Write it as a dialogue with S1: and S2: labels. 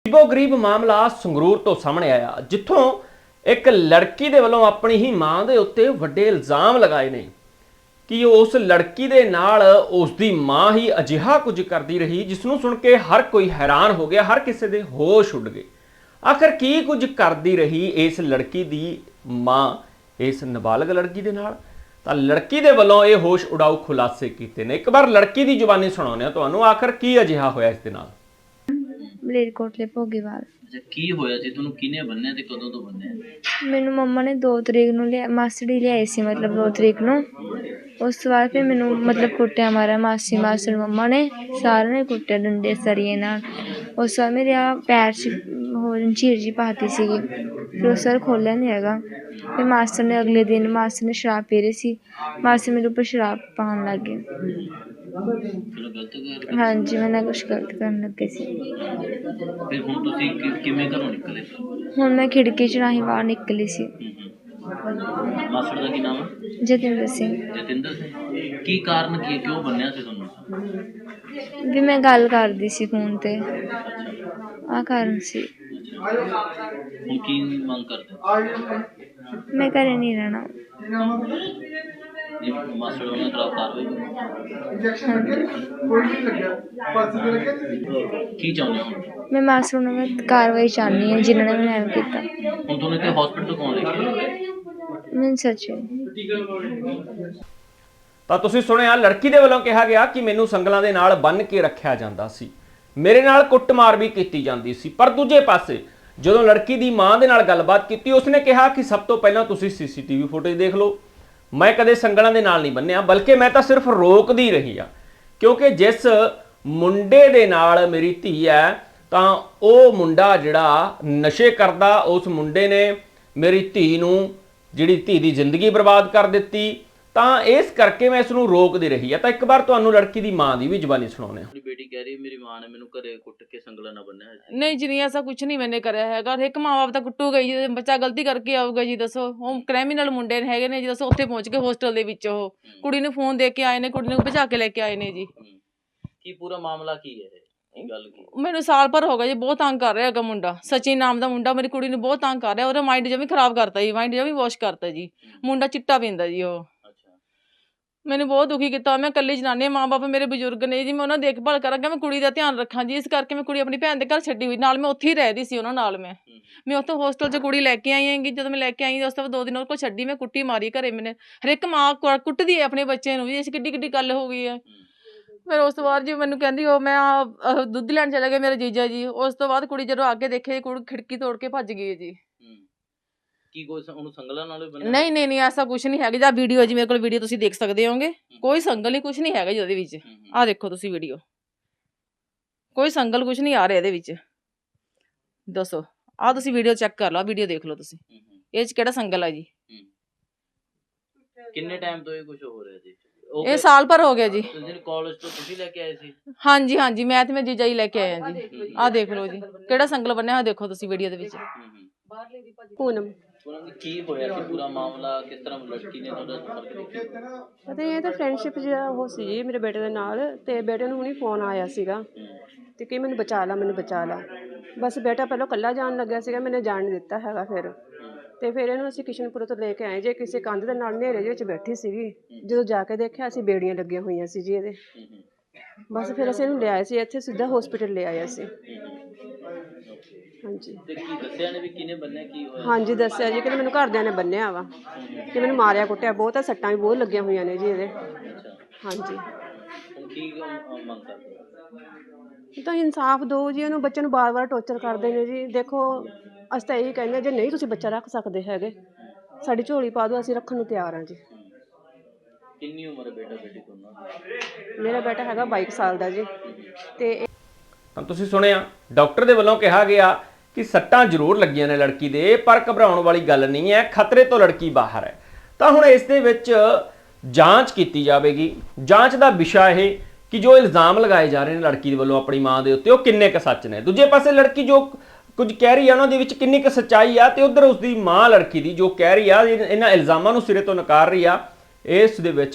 S1: ਗਰੀਬ ਮਾਮਲਾ ਸੰਗਰੂਰ ਤੋਂ ਸਾਹਮਣੇ ਆਇਆ, ਜਿੱਥੋਂ ਇੱਕ ਲੜਕੀ ਦੇ ਵੱਲੋਂ ਆਪਣੀ ਹੀ ਮਾਂ ਦੇ ਉੱਤੇ ਵੱਡੇ ਇਲਜ਼ਾਮ ਲਗਾਏ ਨੇ ਕਿ ਉਸ ਲੜਕੀ ਦੇ ਨਾਲ ਉਸ ਦੀ ਮਾਂ ਹੀ ਅਜਿਹਾ ਕੁਝ ਕਰਦੀ ਰਹੀ ਜਿਸ ਨੂੰ ਸੁਣ ਕੇ ਹਰ ਕੋਈ ਹੈਰਾਨ ਹੋ ਗਿਆ, ਹਰ ਕਿਸੇ ਦੇ ਹੋਸ਼ ਉੱਡ ਗਏ। ਆਖਰ ਕੀ ਕੁਝ ਕਰਦੀ ਰਹੀ ਇਸ ਲੜਕੀ ਦੀ ਮਾਂ ਇਸ ਨਾਬਾਲਗ ਲੜਕੀ ਦੇ ਨਾਲ? ਤਾਂ ਲੜਕੀ ਦੇ ਵੱਲੋਂ ਇਹ ਹੋਸ਼ ਉਡਾਊ ਖੁਲਾਸੇ ਕੀਤੇ ਨੇ। ਇੱਕ ਵਾਰ ਲੜਕੀ ਦੀ ਜ਼ੁਬਾਨੀ ਸੁਣਾਉਂਦੇ ਹਾਂ ਤੁਹਾਨੂੰ, ਆਖਰ ਕੀ ਅਜਿਹਾ ਹੋਇਆ ਇਸ ਦੇ ਨਾਲ।
S2: ਮਲੇਰਕੋਟਲੇ ਭੋਗੀਵਾਲ।
S3: ਅੱਛਾ, ਕੀ ਹੋਇਆ ਸੀ? ਤੁਹਾਨੂੰ ਕਿਹਨੇ ਬੰਨਿਆ ਤੇ ਕਦੋਂ ਤੋਂ ਬੰਨਿਆ?
S2: ਮੈਨੂੰ ਮੰਮਾ ਨੇ 2 ਤਰੀਕ ਨੂੰ ਮਾਸੜੀ ਲਿਆਈ ਸੀ, ਮਤਲਬ 2 ਤਰੀਕ ਨੂੰ। ਉਸ ਤੋਂ ਬਾਅਦ ਫਿਰ ਮੈਨੂੰ ਮਤਲਬ ਕੁੱਟਿਆ ਮਾਰਿਆ ਮਾਸੀ ਮਾਸੜ ਮੰਮਾ ਨੇ, ਸਾਰਿਆਂ ਨੇ ਕੁੱਟਿਆ ਡੰਡੇ ਸਰੀਏ ਨਾਲ। ਉਸ ਤੋਂ ਬਾਅਦ ਮੇਰੇ ਪੈਰ 'ਚ ਹੋਰ ਝੀਰ ਜੀ ਪਾਤੀ ਸੀਗੀ, ਫਿਰ ਉਸ ਵਾਰ ਖੋਲ੍ਹਿਆ ਨਹੀਂ ਹੈਗਾ। ਫਿਰ ਮਾਸਟਰ ਨੇ ਅਗਲੇ ਦਿਨ ਮਾਸਟਰ ਨੇ ਸ਼ਰਾਬ ਪੀ ਰਹੀ ਸੀ, ਮਾਸਟਰ ਮੇਰੇ ਉੱਪਰ ਸ਼ਰਾਬ ਪਾਉਣ ਲੱਗ ਗਏ। ਹਾਂਜੀ, ਮੈਂ ਨਾ ਕੁਛ ਗਲਤ ਕਰਨ ਲੱਗੇ ਸੀ।
S3: ਫਿਰ ਹੁਣ ਤੁਸੀਂ ਕਿਵੇਂ ਘਰੋਂ ਨਿਕਲੇ?
S2: ਹੁਣ ਮੈਂ ਖਿੜਕੀ 'ਚ ਰਾਹੀਂ ਬਾਹਰ ਨਿਕਲੀ ਸੀ।
S3: ਮਾਸੜ ਦਾ ਕੀ ਨਾਮ ਹੈ?
S2: ਜਤਿੰਦਰ ਸਿੰਘ।
S3: ਜਤਿੰਦਰ ਸਿੰਘ। ਕੀ ਕਾਰਨ ਕੀ ਹੈ, ਕਿਉਂ ਬੰਨਿਆ ਸੀ ਤੁਹਾਨੂੰ?
S2: ਵੀ ਮੈਂ ਗੱਲ ਕਰਦੀ ਸੀ ਫੋਨ ਤੇ, ਆਹ ਕਾਰਨ ਸੀ।
S3: ਹੁਣ ਕੀ ਮੰਗ ਕਰਦੇ?
S2: ਮੈਂ ਘਰੇ ਨਹੀਂ ਰਹਿਣਾ।
S3: ਮਾਸੜ ਉਹਨਾਂ ਖਿਲਾਫ ਕਾਰਵਾਈ ਕੀ ਚਾਹੁੰਦੇ ਹੋ?
S2: ਮੈਂ ਮਾਸਟਰ ਨੂੰ ਕਾਰਵਾਈ ਚਾਹੁੰਦੀ ਹਾਂ ਜਿਨ੍ਹਾਂ ਨੇ ਮੈਨੂੰ ਐਵੇਂ ਕੀਤਾ।
S3: ਹੁਣ ਤੁਹਾਨੂੰ ਇੱਥੇ ਹਸਪੀਟਲ ਤੋਂ ਕੌਣ ਲੈ ਕੇ ਆਇਆ?
S2: ਮੈਂ ਸੱਚੀ।
S1: ਤਾਂ ਤੁਸੀਂ ਸੁਣਿਆ, ਲੜਕੀ ਦੇ ਵੱਲੋਂ ਕਿਹਾ ਗਿਆ ਕਿ ਮੈਨੂੰ ਸੰਗਲਾਂ ਦੇ ਨਾਲ ਬੰਨ੍ਹ ਕੇ ਰੱਖਿਆ ਜਾਂਦਾ ਸੀ, ਮੇਰੇ ਨਾਲ ਕੁੱਟਮਾਰ ਵੀ ਕੀਤੀ ਜਾਂਦੀ ਸੀ। ਪਰ ਦੂਜੇ ਪਾਸੇ ਜਦੋਂ ਲੜਕੀ ਦੀ ਮਾਂ ਦੇ ਨਾਲ ਗੱਲਬਾਤ ਕੀਤੀ, ਉਸਨੇ ਕਿਹਾ ਕਿ ਸਭ ਤੋਂ ਪਹਿਲਾਂ ਤੁਸੀਂ CCTV ਫੁਟੇਜ ਦੇਖ ਲਓ, ਮੈਂ ਕਦੇ ਸੰਗਲਾਂ ਦੇ ਨਾਲ ਨਹੀਂ ਬੰਨਿਆ, ਬਲਕਿ ਮੈਂ ਤਾਂ ਸਿਰਫ ਰੋਕਦੀ ਰਹੀ ਆ, ਕਿਉਂਕਿ ਜਿਸ ਮੁੰਡੇ ਦੇ ਨਾਲ ਮੇਰੀ ਧੀ ਹੈ ਤਾਂ ਉਹ ਮੁੰਡਾ ਜਿਹੜਾ ਨਸ਼ੇ ਕਰਦਾ, ਉਸ ਮੁੰਡੇ ਨੇ ਮੇਰੀ ਧੀ ਨੂੰ ਜਿਹੜੀ ਧੀ ਦੀ ਜ਼ਿੰਦਗੀ ਬਰਬਾਦ ਕਰ ਦਿੱਤੀ, ਤਾਂ ਇਸ ਕਰਕੇ ਮੈਂ ਇਸ ਨੂੰ ਰੋਕਦੀ ਰਹੀ ਆ। ਤਾਂ ਇੱਕ ਵਾਰ ਤੁਹਾਨੂੰ ਲੜਕੀ ਦੀ ਮਾਂ ਦੀ ਵੀ ਜ਼ੁਬਾਨੀ ਸੁਣਾਉਂਦੇ ਹਾਂ।
S3: ਆਪਣੀ ਬੇਟੀ ਕਹਿ ਰਹੀ ਮੇਰੀ ਮਾਂ ਨੇ ਮੈਨੂੰ ਘਰੇ ਕੁੱਟ ਕੇ ਸੰਗਲਾਂ ਨਾਲ ਬੰਨਿਆ ਸੀ।
S4: ਨਹੀਂ ਜੀ, ਨਹੀਂ, ਐਸਾ ਕੁਛ ਨਹੀਂ ਮੈਨੇ ਕਰਿਆ ਹੈਗਾ। ਇੱਕ ਮਾਂ ਬਾਪ ਤਾਂ ਕੁੱਟੂਗਾ ਜੀ, ਬੱਚਾ ਗਲਤੀ ਕਰਕੇ ਆਊਗਾ ਜੀ, ਦੱਸੋ। ਉਹ ਕ੍ਰਿਮੀਨਲ ਮੁੰਡੇ ਹੈਗੇ ਨੇ ਜੀ, ਦੱਸੋ। ਉੱਥੇ ਪਹੁੰਚ ਕੇ ਹੋਸਟਲ ਦੇ ਵਿੱਚ ਉਹ ਕੁੜੀ ਨੂੰ ਫੋਨ ਦੇ ਕੇ ਆਏ ਨੇ, ਕੁੜੀ ਨੂੰ ਭਜਾ ਕੇ ਲੈ ਕੇ ਆਏ ਨੇ ਜੀ।
S3: ਕੀ ਪੂਰਾ ਮਾਮਲਾ ਕੀ ਹੈ? ਗੱਲ ਕੀ?
S4: ਮੈਨੂੰ ਸਾਲ ਭਰ ਹੋ ਗਿਆ ਜੀ, ਬਹੁਤ ਤੰਗ ਕਰ ਰਿਹਾ ਹੈਗਾ ਮੁੰਡਾ। ਸਚਿਨ ਨਾਮ ਦਾ ਮੁੰਡਾ ਮੇਰੀ ਕੁੜੀ ਨੂੰ ਬਹੁਤ ਤੰਗ ਕਰ ਰਿਹਾ। ਉਹਦਾ ਮਾਈਂਡ ਜਮੀ ਖਰਾਬ ਕਰਤਾ ਜੀ, ਮਾਈਂਡ ਜਮੀ ਵਾਸ਼ ਕਰਤਾ ਜੀ। ਮੁੰਡਾ ਚਿੱਟਾ ਪੀਂਦਾ ਜੀ ਉਹ। ਮੈਨੂੰ ਬਹੁਤ ਦੁਖੀ ਕੀਤਾ। ਮੈਂ ਇਕੱਲੀ ਜਨਾਨੀ, ਮਾਂ ਬਾਪ ਮੇਰੇ ਬਜ਼ੁਰਗ ਨੇ ਜੀ, ਮੈਂ ਉਹਨਾਂ ਦੀ ਦੇਖਭਾਲ ਕਰਾਂਗਾ, ਮੈਂ ਕੁੜੀ ਦਾ ਧਿਆਨ ਰੱਖਾਂ ਜੀ। ਇਸ ਕਰਕੇ ਮੈਂ ਕੁੜੀ ਆਪਣੀ ਭੈਣ ਦੇ ਘਰ ਛੱਡੀ ਹੋਈ, ਨਾਲ ਮੈਂ ਉੱਥੇ ਹੀ ਰਹਿਦੀ ਸੀ ਉਹਨਾਂ ਨਾਲ। ਮੈਂ ਉੱਥੋਂ ਹੋਸਟਲ 'ਚ ਕੁੜੀ ਲੈ ਕੇ ਆਈ ਹੈਗੀ। ਜਦੋਂ ਮੈਂ ਲੈ ਕੇ ਆਈ ਉਸ ਤੋਂ ਬਾਅਦ 2 ਦਿਨ ਉਹਦੇ ਕੋਲ ਛੱਡੀ, ਮੈਂ ਕੁੱਟੀ ਮਾਰੀ ਘਰੇ। ਮੈਨੇ ਹਰ ਇੱਕ ਮਾਂ ਕੁੱਟਦੀ ਹੈ ਆਪਣੇ ਬੱਚੇ ਨੂੰ ਜੀ, ਇਸ ਕਿੱਡੀ ਕਿੱਡੀ ਗੱਲ ਹੋ ਗਈ ਹੈ। ਫਿਰ ਉਸ ਤੋਂ ਬਾਅਦ ਜੀ ਮੈਨੂੰ ਕਹਿੰਦੀ ਉਹ ਮੈਂ ਦੁੱਧ ਲੈਣ ਚਲੇ ਗਏ ਮੇਰੇ ਜੀਜਾ ਜੀ। ਉਸ ਤੋਂ ਬਾਅਦ ਕੁੜੀ ਜਦੋਂ ਅੱਗੇ ਦੇਖੇ, ਕੁੜੀ ਖਿੜਕੀ ਤੋੜ ਕੇ ਭੱਜ ਗਈ ਜੀ।
S3: ਕੀ ਕੋਈ ਉਹਨੂੰ ਸੰਗਲਾਂ ਨਾਲ ਬੰਨਿਆ?
S4: ਨਹੀਂ ਨਹੀਂ ਨਹੀਂ, ਐਸਾ ਕੁਛ ਨਹੀਂ ਹੈਗਾ। ਜਾਂ ਵੀਡੀਓ ਜੀ ਮੇਰੇ ਕੋਲ ਵੀਡੀਓ ਤੁਸੀਂ ਦੇਖ ਸਕਦੇ ਹੋਗੇ, ਕੋਈ ਸੰਗਲ ਨਹੀਂ, ਕੁਛ ਨਹੀਂ ਹੈਗਾ ਜੀ ਉਹਦੇ ਵਿੱਚ। ਆਹ ਦੇਖੋ ਤੁਸੀਂ ਵੀਡੀਓ, ਕੋਈ ਸੰਗਲ ਕੁਛ ਨਹੀਂ ਆ ਰਿਹਾ ਇਹਦੇ ਵਿੱਚ। ਦੱਸੋ, ਆਹ ਤੁਸੀਂ ਵੀਡੀਓ ਚੈੱਕ ਕਰ ਲਓ, ਵੀਡੀਓ ਦੇਖ ਲਓ ਤੁਸੀਂ, ਇਹ 'ਚ ਕਿਹੜਾ ਸੰਗਲ ਆ ਜੀ।
S3: ਕਿੰਨੇ ਟਾਈਮ ਤੋਂ ਇਹ ਕੁਝ ਹੋ ਰਿਹਾ ਜੀ?
S4: ਇਹ ਸਾਲ ਭਰ ਹੋ ਗਿਆ ਜੀ।
S3: ਕਾਲਜ ਤੋਂ ਤੁਸੀਂ ਲੈ ਕੇ ਆਏ ਸੀ?
S4: ਹਾਂਜੀ ਹਾਂਜੀ, ਮੈਂ ਤੇ ਮੈਂ ਜੀਜਾ ਜੀ ਲੈ ਕੇ ਆਏ ਆ ਜੀ। ਆਹ ਦੇਖ ਲਓ ਜੀ, ਕਿਹੜਾ ਸੰਗਲ ਬੰਨਿਆ ਹੋਇਆ ਦੇਖੋ ਤੁਸੀਂ ਵੀਡੀਓ ਦੇ ਵਿੱਚ।
S2: ਪੂਨਮ।
S3: ਕੀ ਹੋਇਆ ਸੀ ਪੂਰਾ ਮਾਮਲਾ? ਕਿਸ ਤਰ੍ਹਾਂ ਲੜਕੀ ਨੇ ਤੁਹਾਡਾ ਸੰਪਰਕ ਕੀਤਾ?
S5: ਪਤਾ ਇਹ ਤਾਂ ਫਰੈਂਡਸ਼ਿਪ ਜਿਹੜਾ ਉਹ ਸੀ ਜੀ ਮੇਰੇ ਬੇਟੇ ਦੇ ਨਾਲ, ਤੇ ਬੇਟੇ ਨੂੰ ਹੁਣੀ ਫੋਨ ਆਇਆ ਸੀਗਾ ਤੇ ਕਿ ਮੈਨੂੰ ਬਚਾ ਲਾ, ਮੈਨੂੰ ਬਚਾ ਲਾ। ਬਸ ਬੇਟਾ ਪਹਿਲਾਂ ਇਕੱਲਾ ਜਾਣ ਲੱਗਿਆ ਸੀਗਾ, ਮੈਨੇ ਜਾਣ ਨਹੀਂ ਦਿੱਤਾ ਹੈਗਾ। ਫਿਰ ਇਹਨੂੰ ਅਸੀਂ ਕਿਸ਼ਨਪੁਰ ਤੋਂ ਲੈ ਕੇ ਆਏ ਜੇ, ਕਿਸੇ ਕੰਧ ਦੇ ਨਾਲ ਹਨੇਰੇ ਵਿੱਚ ਬੈਠੀ ਸੀਗੀ। ਜਦੋਂ ਜਾ ਕੇ ਦੇਖਿਆ, ਅਸੀਂ ਬੇੜੀਆਂ ਲੱਗੀਆਂ ਹੋਈਆਂ ਸੀ ਜੀ ਇਹਦੇ। ਬਸ ਫਿਰ ਅਸੀਂ ਇਹਨੂੰ ਲਿਆਏ ਸੀ ਇੱਥੇ, ਸਿੱਧਾ ਹਸਪੀਟਲ ਲੈ ਆਏ ਅਸੀਂ। ਹਾਂਜੀ।
S3: ਤੇ ਕੀ ਦੱਸਿਆ ਨੇ ਵੀ ਕਿਹਨੇ ਬੰਨਿਆ, ਕੀ ਹੋਇਆ? ਹਾਂਜੀ,
S5: ਦੱਸਿਆ ਜੀ ਕਿ ਮੈਨੂੰ ਘਰਦਿਆਂ ਨੇ ਬੰਨਿਆ ਵਾ, ਕਿ ਮੈਨੂੰ ਮਾਰਿਆ ਕੁੱਟਿਆ ਬਹੁਤ ਆ, ਸੱਟਾਂ ਵੀ ਬਹੁਤ ਲੱਗੀਆਂ ਹੋਈਆਂ ਨੇ ਜੀ ਇਹਦੇ। ਹਾਂਜੀ।
S3: ਹੁਣ ਕੀ ਮੰਗ ਕਰਦੇ?
S5: ਤਾਂ ਇਨਸਾਫ ਦਿਓ ਜੀ, ਉਹਨੂੰ ਬੱਚੇ ਨੂੰ ਵਾਰ-ਵਾਰ ਟੌਰਚਰ ਕਰਦੇ ਨੇ ਜੀ। ਦੇਖੋ ਅਸੀਂ ਤਾਂ ਇਹੀ ਕਹਿੰਦੇ ਹਾਂ, ਜੇ ਨਹੀਂ ਤੁਸੀਂ ਬੱਚਾ ਰੱਖ ਸਕਦੇ ਹੈਗੇ, ਸਾਡੀ ਝੋਲੀ ਪਾ ਦਿਓ, ਅਸੀਂ ਰੱਖਣ ਨੂੰ ਤਿਆਰ ਹਾਂ ਜੀ।
S3: ਕਿੰਨੀ ਉਮਰ ਹੈ ਬੇਟਾ ਬੇਟੀ ਦੋਨਾਂ ਦੀ?
S5: ਮੇਰਾ ਬੇਟਾ ਹੈਗਾ 22 ਸਾਲ ਦਾ ਜੀ। ਤੇ
S1: ਤਾਂ ਤੁਸੀਂ ਸੁਣਿਆ, ਡਾਕਟਰ ਦੇ ਵੱਲੋਂ ਕਿਹਾ ਗਿਆ ਕਿ ਸੱਟਾਂ ਜ਼ਰੂਰ ਲੱਗੀਆਂ ਨੇ ਲੜਕੀ ਦੇ, ਪਰ ਘਬਰਾਉਣ ਵਾਲੀ ਗੱਲ ਨਹੀਂ ਹੈ, ਖਤਰੇ ਤੋਂ ਲੜਕੀ ਬਾਹਰ ਹੈ। ਤਾਂ ਹੁਣ ਇਸ ਦੇ ਵਿੱਚ ਜਾਂਚ ਕੀਤੀ ਜਾਵੇਗੀ। ਜਾਂਚ ਦਾ ਵਿਸ਼ਾ ਇਹ ਕਿ ਜੋ ਇਲਜ਼ਾਮ ਲਗਾਏ ਜਾ ਰਹੇ ਨੇ ਲੜਕੀ ਦੇ ਵੱਲੋਂ ਆਪਣੀ ਮਾਂ ਦੇ ਉੱਤੇ, ਉਹ ਕਿੰਨੇ ਕੁ ਸੱਚ ਨੇ। ਦੂਜੇ ਪਾਸੇ ਲੜਕੀ ਜੋ ਕੁਝ ਕਹਿ ਰਹੀ ਆ, ਉਹਨਾਂ ਦੇ ਵਿੱਚ ਕਿੰਨੀ ਕੁ ਸੱਚਾਈ ਆ, ਤੇ ਉਧਰ ਉਸਦੀ ਮਾਂ ਲੜਕੀ ਦੀ ਜੋ ਕਹਿ ਰਹੀ ਆ, ਇਹਨਾਂ ਇਲਜ਼ਾਮਾਂ ਨੂੰ ਸਿਰੇ ਤੋਂ ਨਕਾਰ ਰਹੀ ਆ, ਇਸ ਦੇ ਵਿੱਚ